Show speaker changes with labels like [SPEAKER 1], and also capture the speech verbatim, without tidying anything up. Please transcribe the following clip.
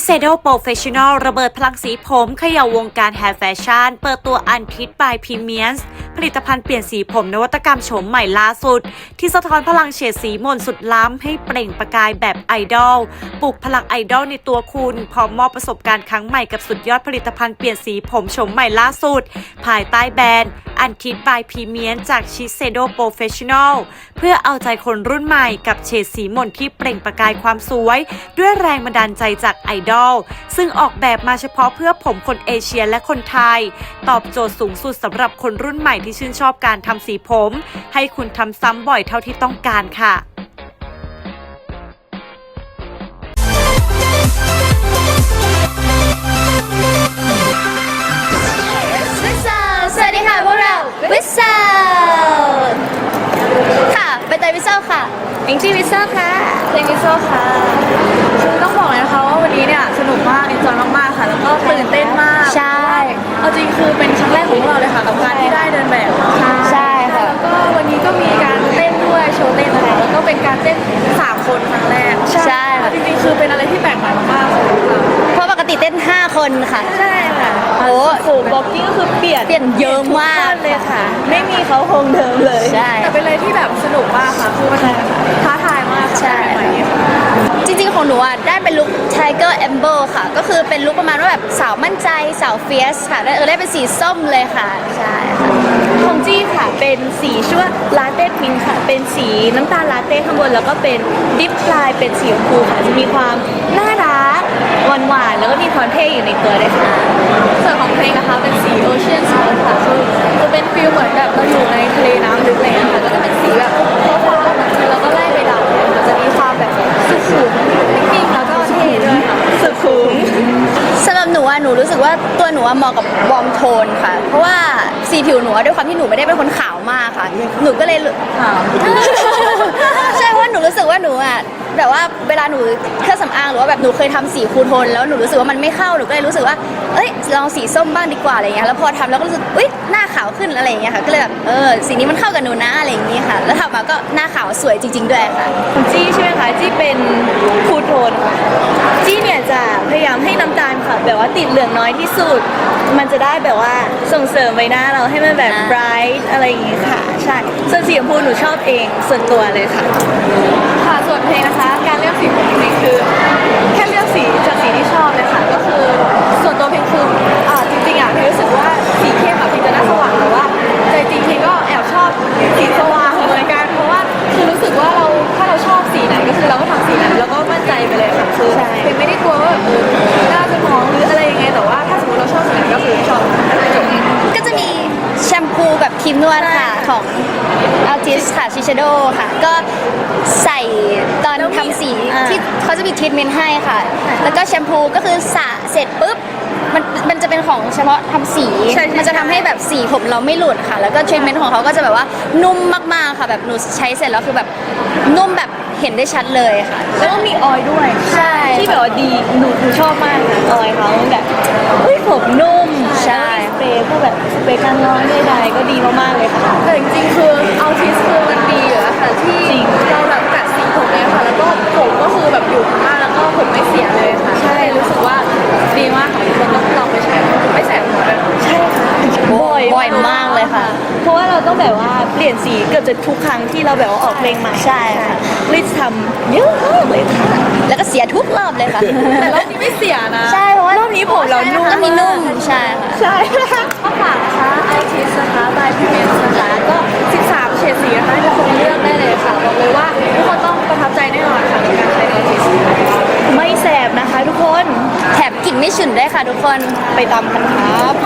[SPEAKER 1] Shiseido Professional ระเบิดพลังสีผมเขย่าวงการแฮร์แฟชั่นเปิดตัวอันทิด by Premiums ผลิตภัณฑ์เปลี่ยนสีผมนวัตกรรมโฉมใหม่ล่าสุดที่สะท้อนพลังเฉดสีมนต์สุดล้ำให้เปล่งประกายแบบไอดอลปลุกพลังไอดอลในตัวคุณพร้อมมอบประสบการณ์ครั้งใหม่กับสุดยอดผลิตภัณฑ์เปลี่ยนสีผมโฉมใหม่ล่าสุดภายใต้แบรนด์อันทิด by Premiums จาก Shiseido Professional เพื่อเอาใจคนรุ่นใหม่กับเฉดสีมนต์ที่เปล่งประกายความสวยด้วยแรงบันดาลใจจากไอดอลซึ่งออกแบบมาเฉพาะเพื่อผมคนเอเชียและคนไทยตอบโจทย์สูงสุดสำหรับคนรุ่นใหม่ที่ชื่นชอบการทำสีผมให้คุณทำซ้ำบ่อยเท่าที่ต้องการค่ะ
[SPEAKER 2] สวัสดีค่ะพวกเราวิสเซลค่ะใบเตยวิสเซลค่ะอิงจี้วิสเซลค่ะเพลงวิสเซลค่ะคือต้องบอกเลยนะคะว่าวันนี้เนี่ยสนุกมากเอนจอยมากๆค่ะแล้วก็ตื่นเต้นมากใช่เอาจริงคือเป็นครั้งแรกของพวกเราเลยค่ะกับการที่ได้เดินแบบใช่ค่ะแล้วก็วันนี้ก็มีการเต้นด้วยโชว์เต้นอะไรแล้วก็เป็นการเต้นสามคนครั้งแรกใช่จริงๆคือเป็นอะไรที่แปลกใหม่มากๆเพราะปกติเต้นห้าคนค่ะใช่ค่ะโอ้โหบ็อกกิ้งก็คือเปลี่ยนเปลี่ยนเยอะมากเลยค่ะไม่มีเขาคงเดิมเลยใช่แต่เป็นอะไรที่แบบสนุกมากค่ะคือมันท้าทายมากใช่จริงๆของหนูอ่ะได้เป็นลุค Tiger Amber ค่ะก็คือเป็นลุคประมาณว่าแบบสาวมั่นใจสาวเฟียสค่ะได้เออได้เป็นสีส้มเลยค่ะใช่ค่ะของจี้ค่ะเป็นสีชื่อว่าลาเต้พิงค่ะเป็นสีน้ำตาลลาเต้ข้างบนแล้วก็เป็นดิฟปลายเป็นสีชมพูค่ะจะมีความน่ารักหวานๆแล้วก็มีความเท่อยู่ในตัวด้วยค่ะส่วนของเพลงนะคะเป็นสี Ocean Smoke ค่ะคือจะเป็นฟีลเหมือนแบบเราอยู่ในทะเลน้ำลึกเลยค่ะก็จะเป็นสีแบบฟ้าๆแบบนี้แล้วก็ไล่ไปดำมันจะมีความแบบสุขุมนิ่งแล้วก็เท่ด้วยค่ะสุขุมสำหรับหนูอะหนูรู้สึกว่าตัวหนูอะเหมาะกับวอร์มโทนค่ะเพราะว่าสีผิวหนูด้วยความที่หนูไม่ได้เป็นคนขาวมากค่ะหนูก็เลยขาวใช่เพราะหนูรู้สึกว่าหนูอะแบบว่าเวลาหนูเครื่องสำอางหรือว่าแบบหนูเคยทำสีคูโทนแล้วหนูรู้สึกว่ามันไม่เข้าหนูก็เลยรู้สึกว่าเอ้ยลองสีส้มบ้างดีกว่าอะไรเงี้ยแล้วพอทำแล้วก็รู้สึกอุ้ยหน้าขาวขึ้นอะไรเงี้ยค่ะก็เลยแบบเออสีนี้มันเข้ากับหนูนะอะไรอย่างงี้ค่ะแล้วทำมาก็หน้าขาวสวยจริงๆด้วยค่ะจี้ใช่ไหมคะจี้เป็นคูโทนค่ะจี้เนี่ยจะพยายามให้น้ำตาลค่ะแบบว่าติดเหลืองน้อยที่สุดมันจะได้แบบว่าส่งเสริมใบหน้าเราให้มันแบบไบรท์อะไรอย่างงี้ค่ะใช่ส่วนสีชมพูหนูชอบเองส่วนตัวเลยค่ะค่ะส่วนเพลงนะคะการเลือกสีของเพลงคือแค่เลือกสีจากสีที่ชอบเลยค่ะก็คือส่วนตัวเพลงคืออ่าจริงๆอ่ะเพลงรู้สึกว่าสีเข้มอ่ะเพลงจะน่าสว่างแต่ว่าใจจริงเพลงก็แอบชอบสีสว่างเหมือนกันเพราะว่าคือรู้สึกว่าเราถ้าเราชอบสีไหนก็คือเราก็ทำสีนั้นแล้วก็มั่นใจไปเลยค่ะคือเพลงไม่ได้กลัวว่าแบบหน้าจะมองหรืออะไรยังไงแต่ว่าถ้าสมมติเราชอบสีไหนก็คือชอบก็จะมีแชมพูกับครีมนวดค่ะของ Artist ค่ะ Shiseido ค่ะก็ใส่ตอนทำสีที่เขาจะมีทรีทเมนต์ให้ค่ะแล้วก็แชมพูก็คือสระเสร็จปุ๊บมันมันจะเป็นของเฉพาะทำสีมันจะทำให้แบบสีผมเราไม่หลุดค่ะแล้วก็ทรีทเมนต์ของเขาก็จะแบบว่านุ่มมากๆค่ะแบบหนูใช้เสร็จแล้วคือแบบนุ่มแบบเห็นได้ชัดเลยค่ะแล้วก็มีออยล์ด้วยใช่ที่แบบว่าดีหนูหนูชอบมากออยล์เขาแบบเฮ้ยผมนุ่มใช่สเปรย์พวกแบบสเปรย์กันร้อนใดๆก็ดีมากๆเลยค่ะแต่จริงๆคือเอาทิสคือมันดีอยู่แล้วค่ะที่เราแบบกัดสีผมเนี่ยค่ะแล้วก็ผมก็คือแบบอยู่มากแล้วก็ผมไม่เสียเลยค่ะใช่รู้สึกว่าดีมากค่ะทุกคนต้องลองไปใช้ไม่แสบหัวเลยใช่ค่ะบ่อยบ่อยมากเลยค่ะเพราะว่าเราต้องแบบว่าเปลี่ยนสีเกือบจะทุกครั้งที่เราแบบว่าออกเพลงใหม่ใช่ค่ะลิซทำเยอะมากเลยค่ะแล้วก็เสียทุกรอบเลยค่ะแต่รอบนี้ไม่เสียนะใช่เพราะว่ารอบนี้ผมเรานุ่มรอบนี้นุ่มใช่ค่ะใช่ก็ฝากนะคะไอทีสนะคะบายพีเมนนะคะก็สิบสามเฉดสีนะคะทุกคนเลือกได้เลยค่ะบอกเลยว่าทุกคนต้องประทับใจแน่นอนค่ะในการใช้ไอทีสไม่แสบนะคะทุกคนแถมกลิ่นไม่ฉุนได้ค่ะทุกคนไปตามกันครับ